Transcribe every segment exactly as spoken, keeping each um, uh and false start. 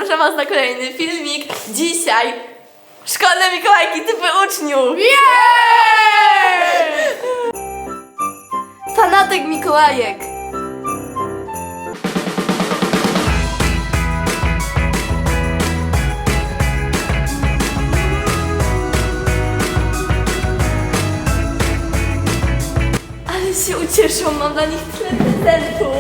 zapraszam was na kolejny filmik. Dzisiaj szkolne Mikołajki typy uczniów. Yeah! Fanatek Mikołajek. Ale się ucieszą, mam dla nich tyle prezentów.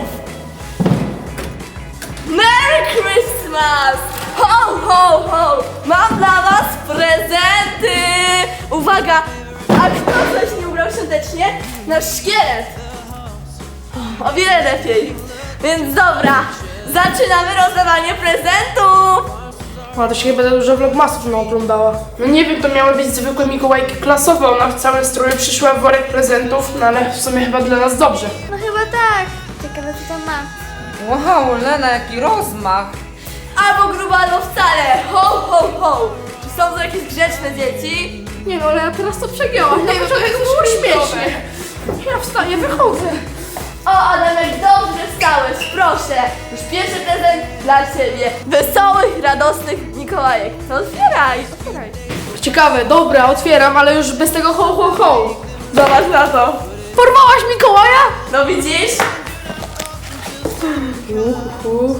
Merry Christmas! Ho, ho, ho! Mam dla was prezenty! Uwaga! A kto coś nie ubrał świątecznie? Nasz szkielet! O wiele lepiej. Więc dobra, zaczynamy rozdawanie prezentów! A to się chyba za dużo vlogmasów naoglądała. No nie wiem, to miały być zwykłe Mikołajki klasowe. Ona w całym stroju przyszła w worek prezentów, no ale w sumie chyba dla nas dobrze. No chyba tak. Ciekawe co tam ma. Wow, Lena, jaki rozmach! Albo grubo, albo wcale! Ho, ho, ho! Czy są to jakieś grzeczne dzieci? Nie no, ale ja teraz to przegięłam. Na początku to było śmieszne. Ja wstaję, wychodzę. O, Adamek, dobrze wstałeś, proszę! Już pierwszy prezent dla ciebie. Wesołych, radosnych Mikołajek. No otwieraj, otwieraj. Ciekawe, dobra, otwieram, ale już bez tego ho, ho, ho. Zobacz na to. Porwałaś Mikołaja? No widzisz? Uhu.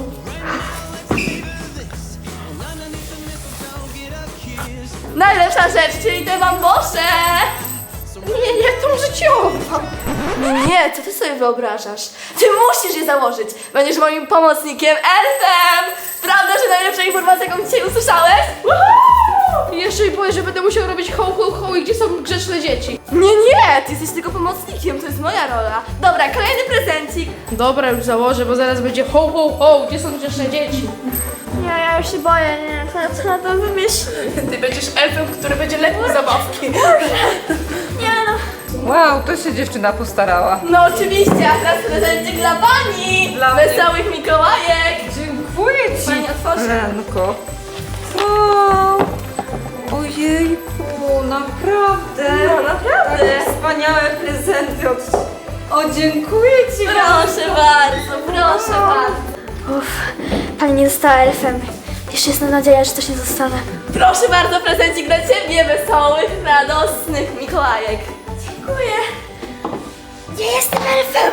Najlepsza rzecz, czyli te bambosze! Nie, nie, tą życiową. Nie, nie, co ty sobie wyobrażasz? Ty musisz je założyć! Będziesz moim pomocnikiem, elfem! Prawda, że najlepsza informacja, jaką dzisiaj usłyszałeś? Woohoo! I jeszcze mi powiesz, że będę musiał robić ho, ho, ho i gdzie są grzeczne dzieci. Nie, nie, ty jesteś tylko pomocnikiem, to jest moja rola. Dobra, kolejny prezencik. Dobra, już założę, bo zaraz będzie ho, ho, ho, gdzie są grzeczne dzieci. Nie, ja już się boję, nie. Co, co na to wymyśli? Ty będziesz elfem, który będzie lepił zabawki. Nie no. Wow, to się dziewczyna postarała. No oczywiście, a teraz prezencik dla pani! Dla mnie. Wesołych Mikołajek! Dziękuję ci, Pani otworzy. Lenko. Wow, ojejku, naprawdę. No naprawdę. Takie wspaniałe prezenty od... O, dziękuję ci Proszę bardzo, proszę bardzo. Uff, pani nie została elfem. Jeszcze jest nadzieja, że też nie zostanę. Proszę bardzo, prezencik dla ciebie, wesołych, radosnych Mikołajek. Dziękuję. Nie jestem elfem.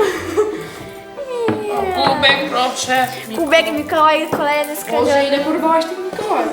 Kubek, proszę. Kubek Mikołaj, kolejny Boże, skradziony. ile porwałaś tych Mikołajów?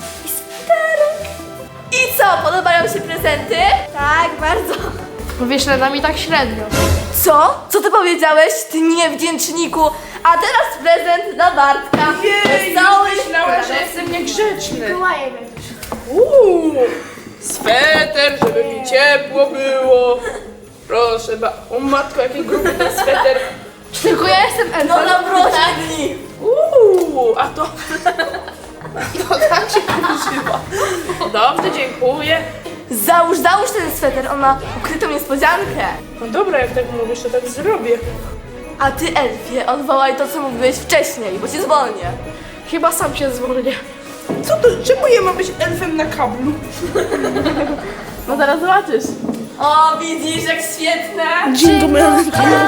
I co, podobają się prezenty? Tak, bardzo. No wiesz, Lena mi tak średnio. Co? Co ty powiedziałeś, ty niewdzięczniku? A teraz prezent dla Bartka. Wesołych, myślała, że jestem niegrzeczny. Mikołaje będziesz. Uuu, sweter, żeby mi ciepło było. Proszę, ba... o matko, jaki gruby ten sweter. Tylko ja jestem elfem. No na dni. Uuu, a to... No tak się używa. Dobrze, dziękuję. Załóż, załóż ten sweter, on ma ukrytą niespodziankę. No dobra, jak tak mówisz, to tak zrobię. A ty, Elfie, odwołaj to, co mówiłeś wcześniej, bo cię zwolnię. Chyba sam się zwolnię. Co to? Czemu ja mam być elfem na kablu? No zaraz zobaczysz. O, widzisz, jak świetne. Jingle bell,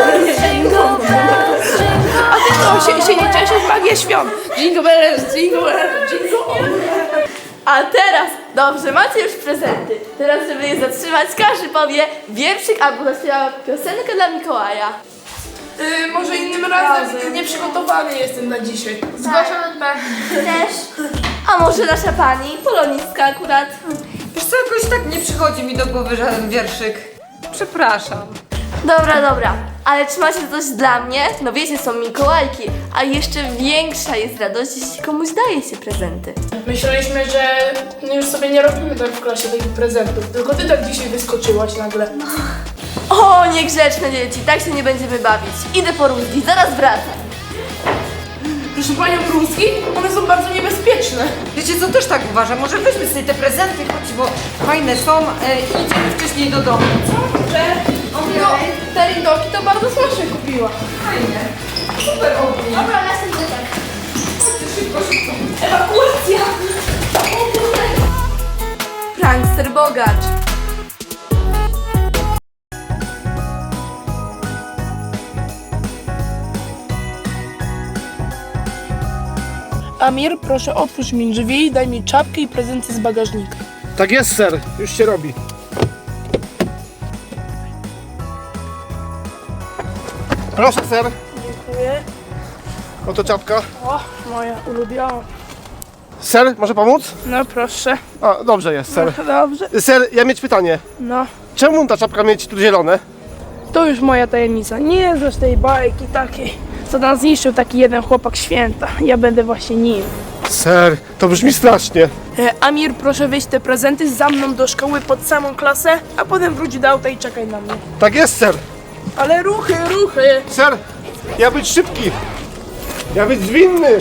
A ty co, się, się nie cieszysz? Magia świąt. Jingle bells, jingle bells, jingle all. A teraz, dobrze, macie już prezenty. Teraz, żeby je zatrzymać, każdy powie wierszyk albo zaśpiewa piosenkę dla Mikołaja. Yy, może innym razem. Nieprzygotowany jestem na dzisiaj. Zgłaszam B. Też. A może nasza pani, polonistka akurat. Wiesz co, jakoś tak nie przychodzi mi do głowy żaden wierszyk. Przepraszam. Dobra, dobra, ale czy macie coś dla mnie? No wiecie, są Mikołajki, a jeszcze większa jest radość, jeśli komuś daje się prezenty. Myśleliśmy, że już sobie nie robimy tak w klasie tych prezentów. Tylko ty tak dzisiaj wyskoczyłaś nagle. O, niegrzeczne dzieci, tak się nie będziemy bawić. Idę po rózgi, zaraz wracam. Proszę panią Brunski, one są bardzo niebezpieczne. Wiecie co, też tak uważam, może weźmy sobie te prezenty, chodź, bo fajne są e, i idziemy wcześniej do domu. Że no, te lindoki to bardzo smacznie kupiła. Fajne. Super ognie. Dobra, następny tak. Szybko, szybko. Ewakuacja! Prankster bogacz. Amir, proszę otwórz mi drzwi, daj mi czapkę i prezenty z bagażnika. Tak jest, ser. Już się robi. Proszę, ser. Dziękuję. Oto czapka. O, moja ulubiona. Ser, może pomóc? No proszę. A, dobrze jest, ser. Dobrze. Ser, ja mieć pytanie. No, Czemu ta czapka mieć tu zielone? to już moja tajemnica. Nie znasz tej bajki takiej, co nam zniszczył taki jeden chłopak święta. Ja będę właśnie nim. Ser, to brzmi strasznie. E, Amir, proszę wyjść te prezenty za mną do szkoły pod samą klasę, a potem wróć do auta i czekaj na mnie. Tak jest, ser. Ale ruchy, ruchy! Ser, ja być szybki. Ja być zwinny.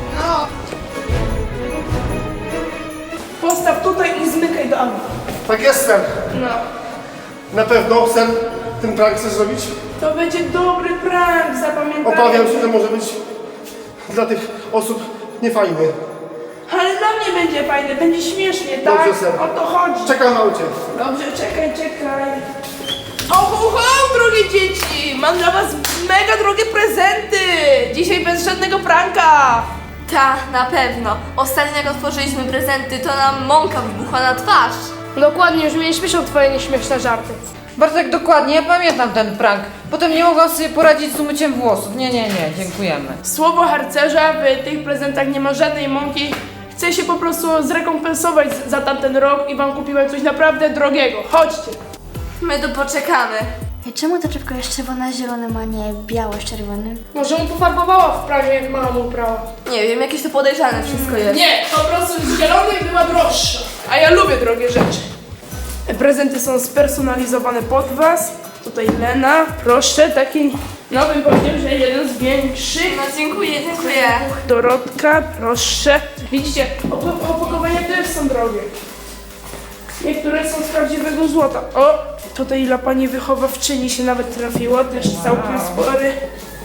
Postaw tutaj i zmykaj do auta. Tak jest, ser. No. Na pewno, ser, ten prank chcesz zrobić? To będzie dobry prank, zapamiętaj. Obawiam się, że może być dla tych osób niefajny. Ale dla mnie będzie fajne, będzie śmiesznie, tak? Dobrze, ser. O to chodzi. Czekam w aucie. Dobrze, czekaj, czekaj. Ho, ho, ho, drogie dzieci! Mam dla was mega drogie prezenty! Dzisiaj bez żadnego pranka! Ta, na pewno. Ostatnio jak otworzyliśmy prezenty, to nam mąka wybuchła na twarz. Dokładnie, już mnie śmieszą twoje nieśmieszne żarty. Bartek, dokładnie, ja pamiętam ten prank. Potem nie mogłam sobie poradzić z umyciem włosów. Nie, nie, nie, dziękujemy. Słowo harcerza, w tych prezentach nie ma żadnej mąki. Chcę się po prostu zrekompensować za tamten rok i wam kupiłem coś naprawdę drogiego. Chodźcie! My tu poczekamy. Ej, czemu ta czapka jest czerwona z zielonym, a nie biała z czerwonym? Może mu pofarbowała w prawie, jak mama mu prała. Nie wiem, jakieś to podejrzane wszystko jest. Nie, po prostu z zielonej była droższa. A ja lubię drogie rzeczy. Prezenty są spersonalizowane pod was. Tutaj Lena, proszę, taki nowy powiedział, że jeden z większych. No dziękuję, dziękuję. Dorotka, proszę. Widzicie, op- opakowania też są drogie. Niektóre są z prawdziwego złota. O, tutaj dla pani wychowawczyni się nawet trafiło, też całkiem spory.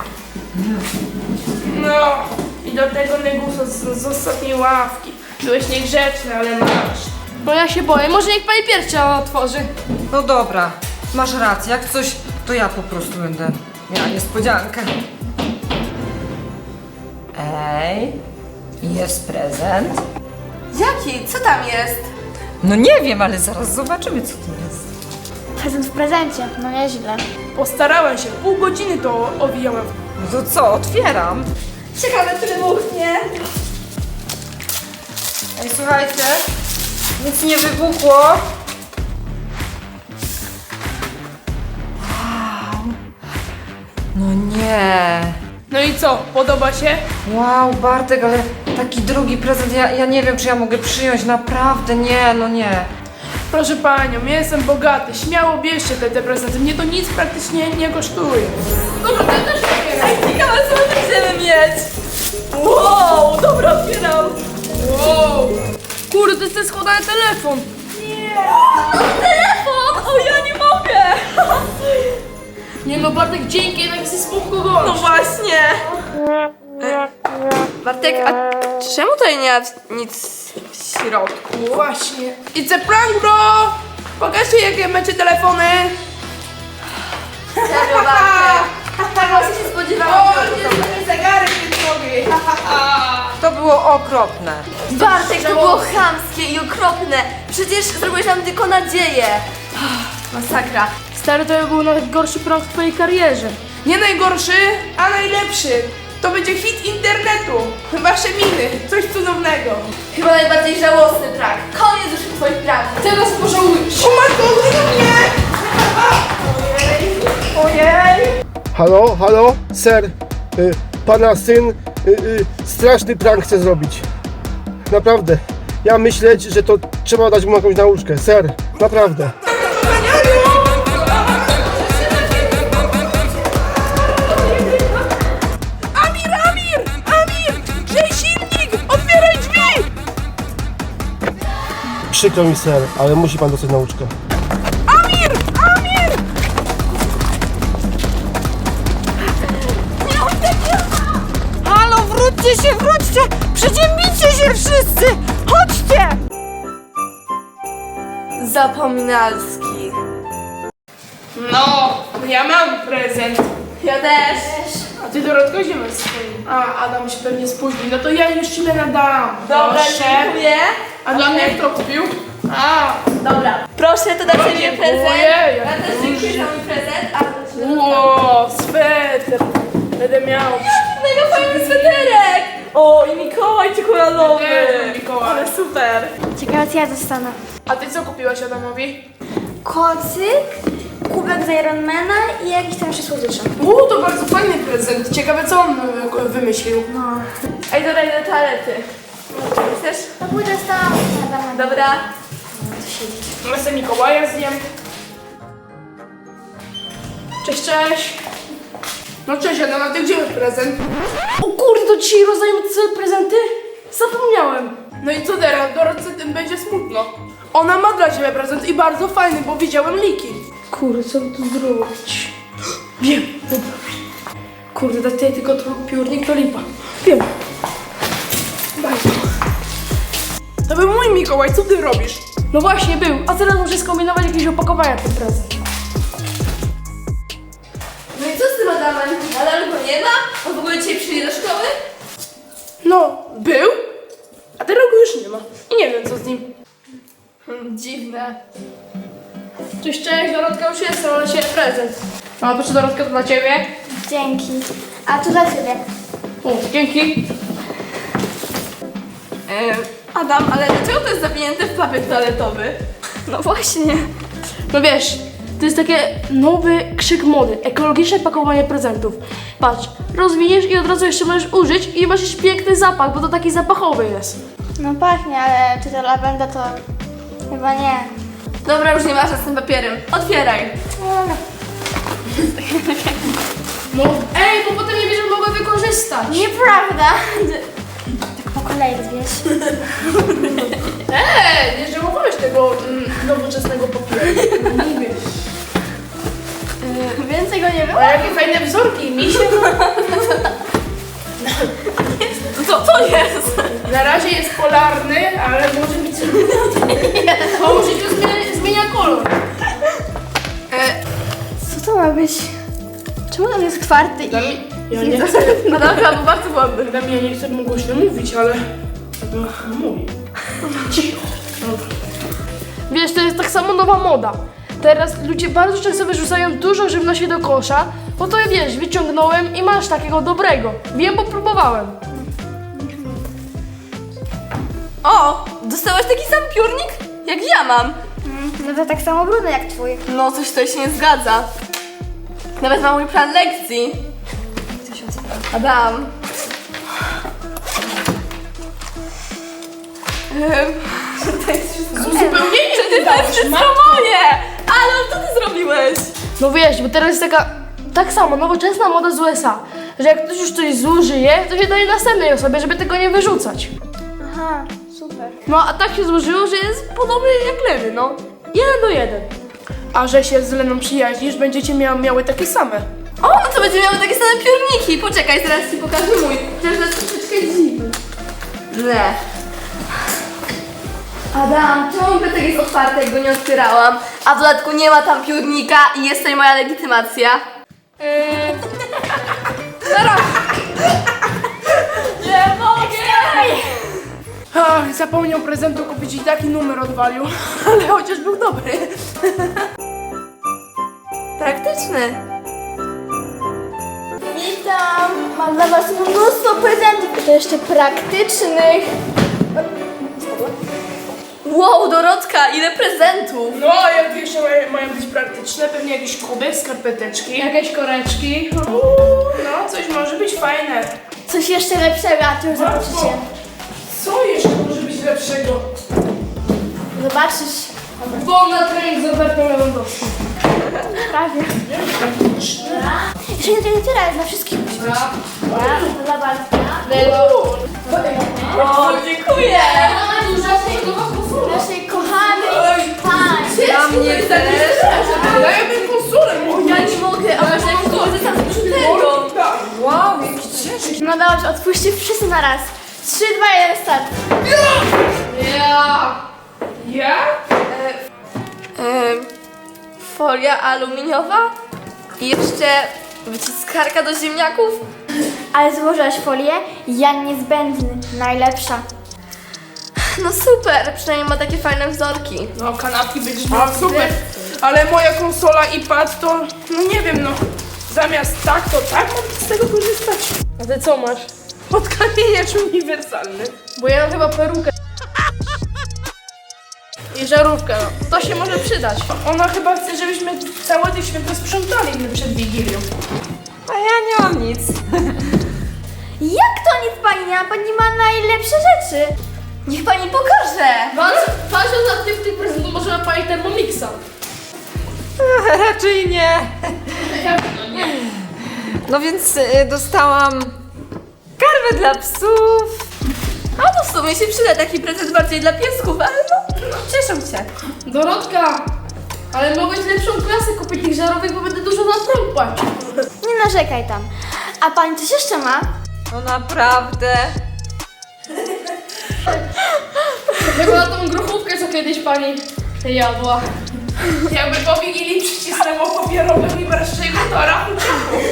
No, i do tego negusa z, z ostatniej ławki. Byłeś niegrzeczny, ale masz. No ja się boję, może niech pani pierwsza otworzy. No dobra, masz rację, jak coś, to ja po prostu będę miała niespodziankę. Ej, jest prezent. Jaki? Co tam jest? No nie wiem, ale zaraz zobaczymy, co to jest. Prezent w prezencie, no nieźle. Postarałem się, pół godziny to owijałem. No to co, otwieram. Ciekawe, czy wybuchnie. Ej, słuchajcie, nic nie wybuchło. Wow. No nie. No i co, podoba się? Wow, Bartek, ale taki drogi prezent, ja, ja nie wiem, czy ja mogę przyjąć, naprawdę, nie, no nie. Proszę panią, ja jestem bogaty, śmiało bierzcie te, te prezenty, mnie to nic praktycznie nie kosztuje. Dobra, to też otwieraj. Ciekawe, co my będziemy mieć. Wow, dobra, otwieram. Wow! Kurde, to jest ten składany telefon! Telefon! O, ja nie mogę. Nie no, Bartek, dzięki, jednak jesteś spoko gość. No właśnie. E, Bartek, a czemu tutaj nie ma nic w środku? Właśnie. It's a prank, bro! Pokażcie, jakie macie telefony. Serio, Bartek. Tego się spodziewałam. O, jest taki zegarek nogi. To było okropne. Bartek, to było chamskie i okropne. Przecież zrobiłeś nam tylko nadzieję. Masakra. Stary, to był najgorszy prank w twojej karierze. Nie najgorszy, a najlepszy. To będzie hit internetu. Wasze miny, coś cudownego. Chyba najbardziej żałosny prank. Koniec już twoich pranków. Teraz pożałujesz. O matko, mnie! Ojej, ojej. Halo, halo, ser. Y, pana syn y, y, straszny prank chce zrobić. Naprawdę. Ja myślę, że to trzeba dać mu jakąś nauczkę. Ser, naprawdę. Amir, Amir, Amir! Grzej silnik! Otwieraj drzwi! Przykro mi, ser, ale musi pan dostać nauczkę. Amir, Amir! Halo, wróćcie się, wróćcie! Przeziębicie się wszyscy! Chodźcie! Zapominalski. No, ja mam prezent. Ja też. A ty Dorotka gdzie masz swoim? A, Adam się pewnie spóźni. No to ja już ci nadam. Dobra, Proszę. dziękuję. A dla mnie kto kupił? A, Dobra. Proszę, to dla ciebie dziękuję, prezent. jak Ja też dziękuję za mój prezent. A to ci ło, sweter. Będę miał. mega fajny sweterek! O, i Mikołaj czekoladowy! Nie, Mikołaj. Ale super! Ciekawe, co ja dostanę. A ty co kupiłaś Adamowi? Kocyk, kubek z Ironmana i jakieś tam jeszcze słodycze. Uuu, to bardzo fajny prezent. Ciekawe co on y, wymyślił. No. Ej, dobra, idę do toalety. Chcesz? To pójdę z tam. Dobra. Ja sobie Mikołaja zjem. Cześć, cześć. No cześć Adam, a ty gdzie masz prezent? O kurde, to dzisiaj rozdajemy te prezenty? Zapomniałem. No i co teraz? Dorotce tym będzie smutno. Ona ma dla ciebie prezent i bardzo fajny, bo widziałem liki. Kurde, co by tu zrobić? Wiem, dobra. Kurde, dać tutaj tylko to piórnik, to lipa. Wiem. Daj to. To był mój Mikołaj, co ty robisz? No właśnie był, a teraz muszę skombinować jakieś opakowania ten prezent. No i co z tym Adamem? Nadal go nie ma? On w ogóle dzisiaj przyjdzie do szkoły? No, był, a teraz go już nie ma. I nie wiem co z nim. Hmm, dziwne. Cześć, cześć, Dorotka już jest, ale się prezent. A proszę Dorotka, to dla ciebie. Dzięki. A to dla ciebie. O, dzięki. E, Adam, ale dlaczego to jest zawinięte w papier toaletowy? No właśnie. No wiesz, to jest takie nowy krzyk mody, ekologiczne pakowanie prezentów. Patrz, rozwiniesz i od razu jeszcze możesz użyć i masz jeszcze piękny zapach, bo to taki zapachowy jest. No pachnie, ale czy to lawenda to chyba nie. Dobra, już nie masz z tym papierem. Otwieraj. No, No, ej, bo potem nie będziesz mogła wykorzystać. nieprawda. Tak po kolei, wiesz. Eee, nie żałowałeś tego mm, nowoczesnego papieru. Nie wiesz. Więcej go nie było? A jakie fajne wzorki, misie. Co to jest? Na razie jest polarny, ale może być... Bo może to zmienia, zmienia kolor. E, Co to ma być? Czemu on jest twardy i... Ja nie chcę, Adam chyba był bardzo głodny. Adam, ja nie chcę mu głośno mówić, ale... No, mówi. Cicho. Wiesz, to jest tak samo nowa moda. Teraz ludzie bardzo często wyrzucają dużo żywności do kosza, bo to wiesz, wyciągnąłem i masz takiego dobrego. Wiem, bo próbowałem. O, dostałaś taki sam piórnik, jak ja mam. No to tak samo brudny jak twój. No, coś tutaj się nie zgadza. Nawet mam mój plan lekcji. Adam. Ehm, to jest wszystko. Zupełnie nie To jest wszystko moje! Ale co ty zrobiłeś? No wiesz, bo teraz jest taka, tak samo, nowoczesna moda z U S A, że jak ktoś już coś zużyje, to się daje następnej osobie, żeby tego nie wyrzucać. Aha, super. No a tak się złożyło, że jest podobny jak Lewy, no. Jeden do jeden. A że się z Leną przyjaźnisz, będziecie mia miały takie same. O, no to będziemy miały takie same piórniki. Poczekaj, zaraz ci pokażę mój. Chociaż to jest troszeczkę dziwny. Nie. Adam, czemu mój plecak jest otwarty, jak go nie otwierałam? A w dodatku nie ma tam piórnika i jest tutaj moja legitymacja. Yy, Nie mogę! ach, zapomniał prezentu kupić i taki numer odwalił, ale chociaż był dobry. Praktyczny. Witam! Mam dla was mnóstwo prezentów, to jeszcze praktycznych. Wow, Dorotka, ile prezentów! No, jak jeszcze mają- mają być praktyczne, pewnie jakiś kubek, skarpeteczki, jakieś koreczki. Uuu, no, coś może być fajne. Coś jeszcze lepszego, a to już zobaczycie. Co jeszcze może być lepszego? Zobaczysz. Bo na trening z Robertem Lewandowskim. Prawie. Jeszcze nie tyle, tyle, na wszystkich musi być. Ja, dla Bartka. O, dziękuję! Naszej kochanej pani. Dla mnie też! Dajmy konsolę, Ja nie mogę, a może jak korzystam z brzuterką? Wow, jaki ciężki. No dobrze, odpuśćcie wszyscy na raz. trzy, dwa, jeden, start. Ja. Ja? Em, folia aluminiowa i jeszcze wyciskarka do ziemniaków. Ale złożyłaś folię? Ja niezbędny, najlepsza. No super, przynajmniej ma takie fajne wzorki. No, kanapki będziesz miała super. Ale moja konsola i pad to, no nie wiem, no. Zamiast tak, to tak mam z tego korzystać. A ty co masz? Odkamieniacz uniwersalny. Bo ja mam chyba perukę. I żarówkę, no. To się może przydać. Ona chyba chce, żebyśmy całe te święta sprzątali przed Wigilią. A ja nie mam nic. Jak to nic pani nie ma? Pani ma najlepsze rzeczy. Niech pani pokaże! Patrząc na tych, tych prezentów, może ma pani Thermomixa. Raczej nie. Jak to nie? No więc y, dostałam karmę dla psów. A to w sumie się przyda taki prezent bardziej dla piesków, ale no, no cieszę się. Dorotka, ale mogłeś lepszą klasę kupić tych żarówek, bo będę dużo na prąd płacił. Nie narzekaj tam. A pani coś jeszcze ma? No naprawdę. Chyba tą grochówkę, co kiedyś pani jadła. Jakby po Wigilii przycisnęło papierowym i wreszcie go to rachu ciepło.